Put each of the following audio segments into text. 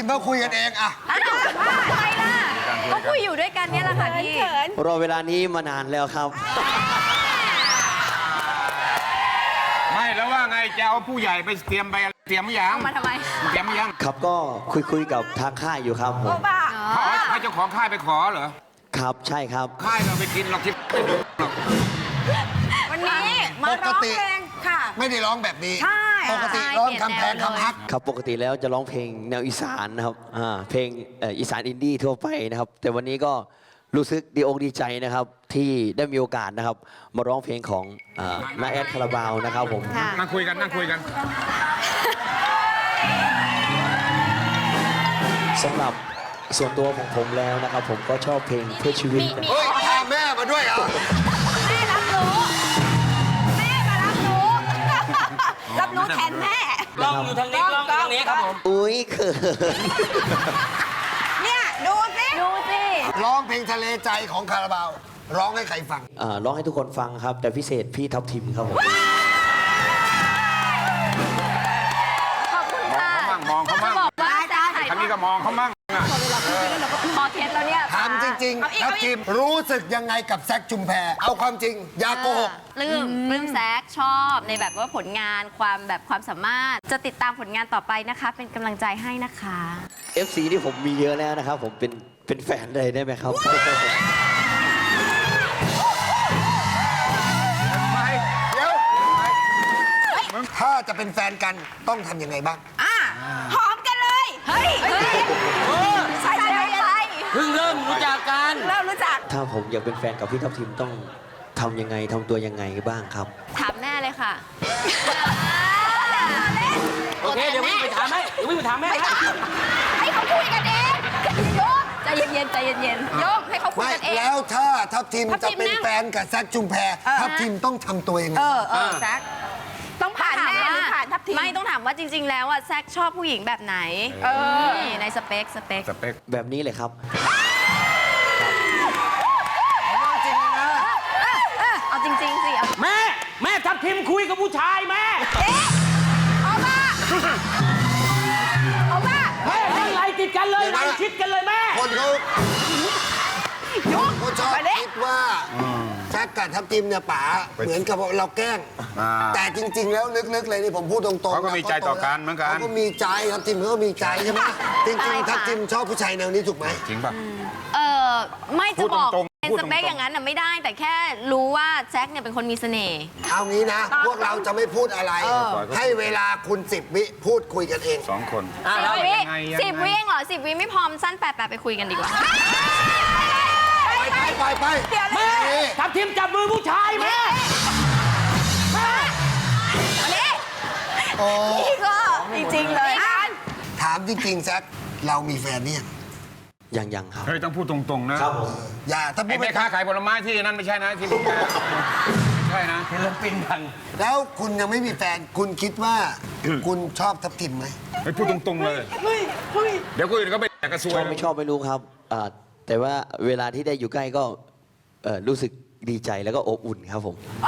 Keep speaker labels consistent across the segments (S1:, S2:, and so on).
S1: มเขาคุยกันเองอะ
S2: ทำไมล่ะก็คุยอยู่ด้วยกันเนี่ยแหละค่ะพี่
S3: รอเวลานี้มานานแล้วครับ
S4: ไม่แล้วว่าไงจะเอาผู้ใหญ่ไปเตรียมหรือยัง
S2: เอามาทำไม
S4: เตรียมหรือยัง
S3: ครับก็คุยกับทางค่ายอยู่ครับผม
S4: เขาให้เจ้าของค่ายไปขอเหรอ
S3: ครับใช่ครับ
S4: ค่ายเราไปกินเราคิดไม่ถึงหรอก
S2: วันนี้มาร้องเพลงค่ะ
S1: ไม่ได้ร้องแบบนี้
S2: ใช่
S1: ปกติร้องคำแพงคำฮัก
S3: ครับปกติแล้วจะร้องเพลงแนวอีสานนะครับเพลงอีสานอินดี้ทั่วไปนะครับ แต่วันนี้ก็รู้สึกดีอกดีใจนะครับ ที่ได้มีโอกาสนะครับ มาร้องเพลงของน้าแอดคาราบาวนะครับผม
S4: นั่งคุยกัน
S3: สำหรับส่วนตัวของผมแล้วนะครับ ผมก็ชอบเพลงเพื่อชีวิตนะ
S1: เฮ้ยพาแม่มาด้วยเหรอ
S2: แม่รับรู้ แม่มารับรู้ รับรู้แทนแม่
S5: กล้องอยู่ทางนี้กล้องอยู่ทางนี้ครับผม
S3: อุ้ยเขิน
S2: เนี่ยดูสิดูสิ
S1: ร้องเพลงทะเลใจของคาราบาว ร้องให้ใครฟัง
S3: ร้องให้ทุกคนฟังครับ แต่พิเศษพี่ทับทิมครับผม
S2: ขอบคุณค่ะ
S4: มองเขามั่ง
S2: บอกว่าจะถ่าย
S4: ทางนี้ก็มองเขามั่งอะ
S2: พอเทสแล้วเนี่ย
S1: ถามจริงๆครับทีมรู้สึกยังไงกับแซคชุมแพเอาความจริง อย่าโกหก
S2: ปลื้มแซกชอบในแบบว่าผลงานความสามารถ จะติดตามผลงานต่อไปนะคะ เป็นกำลังใจให้นะคะ
S3: FC ที่ผมมีเยอะแล้วนะครับ ผมเป็นแฟนเลยได้ไหมครับ
S1: เดี๋ยว ถ้าจะเป็นแฟนกันต้องทำยังไงบ้าง
S2: หอมกันเลย เฮ้ยใช่อะไร
S5: เพิ่งเริ่มรู้จักกัน
S2: เริ่มรู้จัก
S3: ถ้าผมอยากเป็นแฟนกับพี่ทับทิมต้องทำยังไงทำตัวยังไงบ้างครับ
S2: ถามแม่เลยค่ะ
S5: โอเค เดี๋ยววิ่งไปถามให้
S2: ให้เขาคุยกันเองโยกใจเย็นๆใจเย็นๆโยกให้เขาคุย
S1: ไม่
S2: กันเอง
S1: แล้วถ้าทัพทีม
S2: ทัพ
S1: จะ
S2: ทิม
S1: เป็น
S2: นะ
S1: แฟนกับแซคชุมแพทัพทีมต้องทำตัวยังไง
S2: แซกต้องผ่านแม่หรือผ่านทัพทีมไม่ต้องถามว่าจริง ๆ แล้วอ่ะแซกชอบผู้หญิงแบบไหนนี่ในสเปค
S4: สเปค
S3: แบบนี้เลยครับ
S2: เอาจริงๆสิเอา
S5: แม่ทับทิมคุยกับผู้ชายแม่
S2: เอามาเอามา
S5: แม่นั่งไล่ติดกันเลยไล่ชิดกันเลยแม่
S1: คนเขาชอบคิดว่าแซคกับทัพทีมเนี่ยป๋าเหมือนกับเราแกล้ง แต่จริง ๆ แล้วลึกๆเลยนี่ผมพูดตรงๆ
S4: เขาก็มีใจต่อกันเหมือนกัน
S1: เขาก็มีใจทัพทีมเขาก็มีใจใช่ไหมจริงๆทัพทีมชอบผู้ชายแนวนี้ถูกไหม
S4: จริงป่ะ
S2: ไม่จะบอก
S4: พูดตรงๆ
S2: เป็น
S4: พูด
S2: ส
S4: ตรงๆ
S2: เปคอย่างนั้นน่ะไม่ได้ แต่แค่รู้ว่าแจ็คเนี่ยเป็นคนมีเสน่ห์
S1: เอางี้นะ พวกเราจะไม่พูดอะไร ให้เวลาคุณ10 วิพูดคุยกันเอง
S4: 2 คน
S2: 10 วิ
S4: ยังไง
S2: 10 วิเองเหรอ10 วิไม่พอมสั้น8ไปคุยกันดีกว่า
S1: ไป
S5: แม่ทับทิมจับมือผู้ชายแม่
S1: โอ้
S2: นี่ก็จริงๆเลย
S1: ถามจริงๆแซคเรามีแฟนเนี่ย
S3: ยังครับ
S4: เฮ้ยต้องพูดตรงๆนะครับ
S3: ผม
S1: อย่าถ้าพู
S4: ไอ้
S1: ด
S4: แม่
S1: ไม่
S4: ค้าขายผลไม้ที่นั่นไม่ใช่นะที่ผมใช่นะ
S5: ศิลปินดัง
S1: แล้วคุณยังไม่มีแฟน คุณคิดว่าคุณชอบทัพทิมไหม
S4: ไม่พูดตรงๆเลยเดี๋ยวคนอื่นก็ไปแจกกระซว
S3: ช
S4: ย
S3: อบไม่ชอบไม่รู้ครับแต่ว่าเวลาที่ได้อยู่ใกล้ก็รู้สึกดีใจแล้วก็อบอุ่นครับผม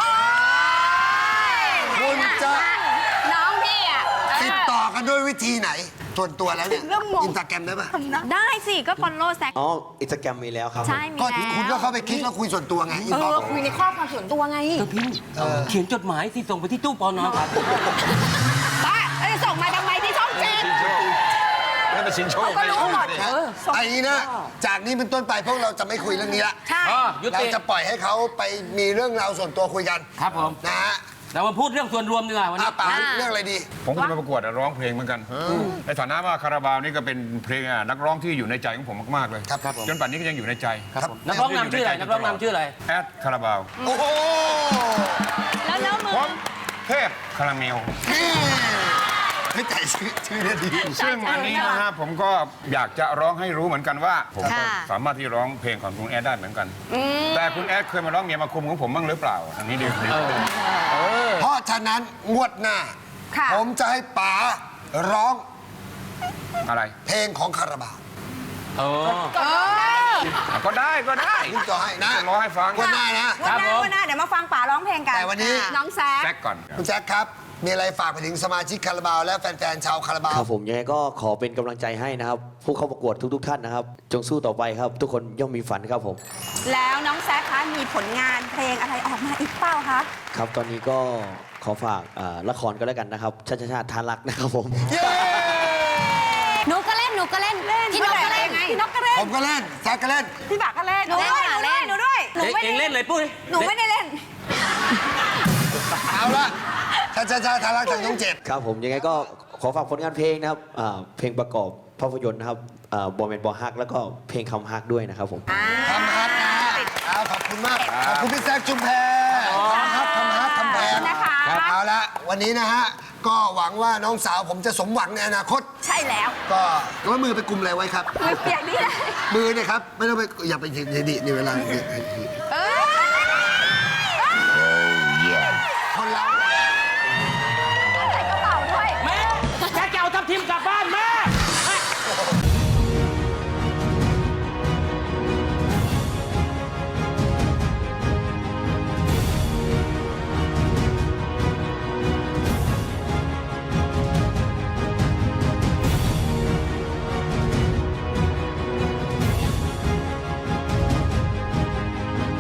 S1: คุณจะ
S2: น้องพี่อ่ะ
S1: ติดต่อกันด้วยวิธีไหนส่วนตัวแล้วเนี่ยอินสตาแกรมได้ปะ
S2: ได้สิก็ฟอลโล่แซค
S3: อ๋ออินสตาแกรมมีแล้วครับผม
S2: ใช่มี
S1: ก็
S2: แล้ว
S1: คุณก็เข้าไปคลิกแล้วคุยส่วนตัวไงอินบ็อกซ์
S2: คุยในข้อความส่วนตัวไง
S5: เขียนจดหมายที่ส่งไปที่ตู้ปอนอครับ
S2: ป้าแล้วจะส่งมาทำไมที่ช่องเจ็ด
S4: นั่นเป็นสินโชค
S2: ก็รู้หมด
S1: ไอ้นี่นะ จากนี้เป็นต้นไปพวกเราจะไม่คุยเรื่องนี้ละ
S2: ใช่
S5: ยุ
S1: เรา
S5: ติ
S1: จะปล่อยให้เขาไปมีเรื่องราวส่วนตัวคุยกัน
S5: ครับผม
S1: นะฮะ
S5: เรามาพูดเรื่องส่วนรวมดีกว่าวัน
S1: อา
S5: นี้
S1: ป๋าเรื่องอะไรดี
S4: ผมก็จะมาประกวดร้องเพลงเหมือนกันในฐานะว่าคาราบาวนี่ก็เป็นเพลงนักร้องที่อยู่ในใจของผมมากๆเลย
S1: ครับผม
S4: จนป่านนี้ก็ยังอยู่ในใจ
S1: ครับ
S5: นักร้องนำชื่ออะไรนักร้องนำชื่ออะไร
S4: แอดคาราบาว
S1: โอ้โห
S2: แล้วมือ
S4: ผมเทพคาราเมล
S1: ไม่ใจชื่อเนี่ยดี
S4: ซึ่งอันนี้นะฮะผมก็อยากจะร้องให้รู้เหมือนกันว่า ผมก็
S2: ค่ะ
S4: สามารถที่ร้องเพลงของคุณแอดได้เหมือนกัน แต่คุณแอดเคยมาร้องเมียมาคุมของผมบ้างหรือเปล่าอันนี้ดี
S1: เพราะฉะนั้นงวดหน้า
S2: ค่ะ
S1: ผมจะให้ป๋าร้อง
S4: อะไร
S1: เพลงของคาราบาว
S4: ก็ได้ก็ได้
S1: นี่ก็ให้นะ
S4: ร้องให้ฟัง
S1: งวดหน้านะ
S5: ครับผม
S2: วันหน้าเดี๋ยวมาฟังป๋าร้องเพลงกัน
S1: แต่วันนี้
S2: น้องแซค
S4: แซกก่อน
S1: คุณแจ็คครับมีอะไรฝากไปถึงสมาชิกคาราบาวและแฟนๆชาวคาราบา
S3: คว รับผมยังไงก็ขอเป็นกำลังใจให้นะครับ ผู้เข้าประกวดทุกๆท่านนะครับ จงสู้ต่อไปครับ ทุกคนย่อมมีฝันครับผม
S6: แล้วน้องแซคคะมีผลงานเพลงอะไรออกมาอีกเปล่าคะ
S3: ครับตอนนี้ก็ขอฝากละครก็แล้วกันนะครับชาติชาติทานรักนะครับผม
S1: เย้
S7: หนูก็เล่นพี่นกก็เล่น
S6: พี่นกก็เล่น
S1: ผมก็เล่นแซคก็เล่น
S6: พี่บากก็เล่น
S2: หนูด้วยหนูด้วย
S6: หนูไม่
S5: เอ
S6: ได้
S5: งเล่นเลยปุ้ย
S6: หนูไม่ได้เล่น
S1: เอาละช้าๆทารักจากช่อง 7
S3: ครับผมยังไงก็ขอฝากผลงานเพลงนะครับเพลงประกอบภาพยนตร์นะครับบอมเมนบอฮักแล้วก็เพลงคำฮักด้วยนะครับผม
S1: ทำฮัทนะเอาขอบคุณมาก ขอบคุณพี่แซคชุมแพทำฮัททำแพง
S6: นะคะ
S1: เอาละวันนี้นะฮะ ก็หวังว่าน้องสาวผมจะสมหวังในอนาคต
S6: ใช่แล้ว
S1: ก็ว่ามือไปกุมอะไรไว้ครับ
S6: มือเปียกนี่แหละ
S1: มือเนี่ยครับ ไม่ต้องไปอย่าไปดีในเวลา
S6: เออ